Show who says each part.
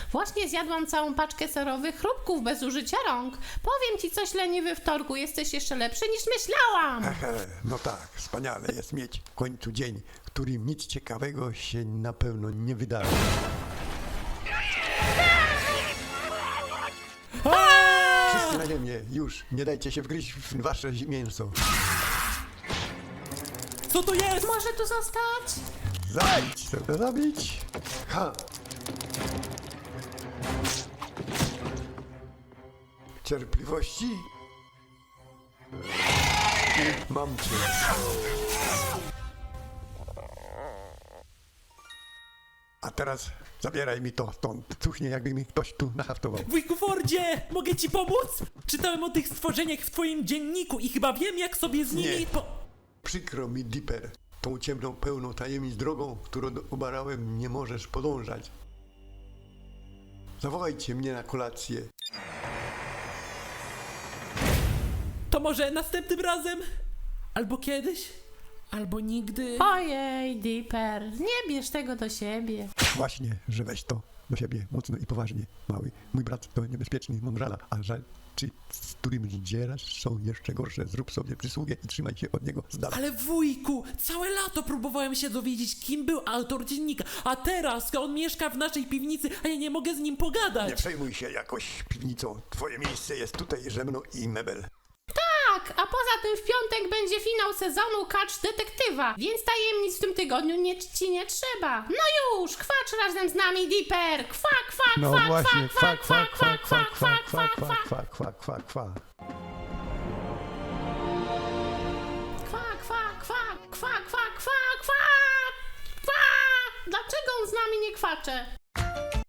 Speaker 1: Właśnie zjadłam całą paczkę serowych chrupków bez użycia rąk. Powiem ci coś, leniwy wtorku, jesteś jeszcze lepszy niż myślałam.
Speaker 2: No tak, wspaniale jest mieć w końcu dzień, w którym nic ciekawego się na pewno nie wydarzy. Wszyscy na ziemię, już, nie dajcie się wgryźć w wasze mięso.
Speaker 3: Co to jest?
Speaker 1: Może tu zostać?
Speaker 2: Zabić, chcę to zabić. Ha! Cierpliwości? I mam cię. A teraz zabieraj mi to stąd. Cuchnie, jakby mi ktoś tu nahaftował.
Speaker 3: Wujku Fordzie, mogę ci pomóc? Czytałem o tych stworzeniach w twoim dzienniku i chyba wiem, jak sobie z nimi
Speaker 2: Nie. Przykro mi, Dipper. Tą ciemną, pełną tajemnic drogą, którą obarałem, nie możesz podążać. Zawołajcie mnie na kolację.
Speaker 3: To może następnym razem? Albo kiedyś? Albo nigdy?
Speaker 1: Ojej, Dipper, nie bierz tego do siebie.
Speaker 2: Właśnie, że weź to do siebie mocno i poważnie, mały. Mój brat to niebezpieczny mądrala, a rzeczy, z którym zdzierasz, są jeszcze gorsze. Zrób sobie przysługę i trzymaj się od niego z dala.
Speaker 3: Ale wujku, całe lato próbowałem się dowiedzieć, kim był autor dziennika, a teraz on mieszka w naszej piwnicy, a ja nie mogę z nim
Speaker 2: Nie
Speaker 3: pogadać.
Speaker 2: przejmuj się jakoś piwnicą. Twoje miejsce jest tutaj, ze mną i mebel.
Speaker 1: Tak, a poza tym w piątek będzie finał sezonu Kacz Detektywa, więc tajemnic w tym tygodniu ci nie trzeba. No już, kwacz razem z nami, Dipper! Kwa, kwa,
Speaker 2: No
Speaker 1: kwa,
Speaker 2: właśnie,
Speaker 1: kwa,
Speaker 2: kwa,
Speaker 1: kwa,
Speaker 2: kwa,
Speaker 1: kwa,
Speaker 2: kwa,
Speaker 1: kwa,
Speaker 2: kwa,
Speaker 1: kwa,
Speaker 2: kwa,
Speaker 1: kwa,
Speaker 2: kwa, kwa, kwa, kwa.
Speaker 1: kwa, kwa, kwa, kwa, kwa, kwa, kwa, kwa. Dlaczego on z nami nie kwacze?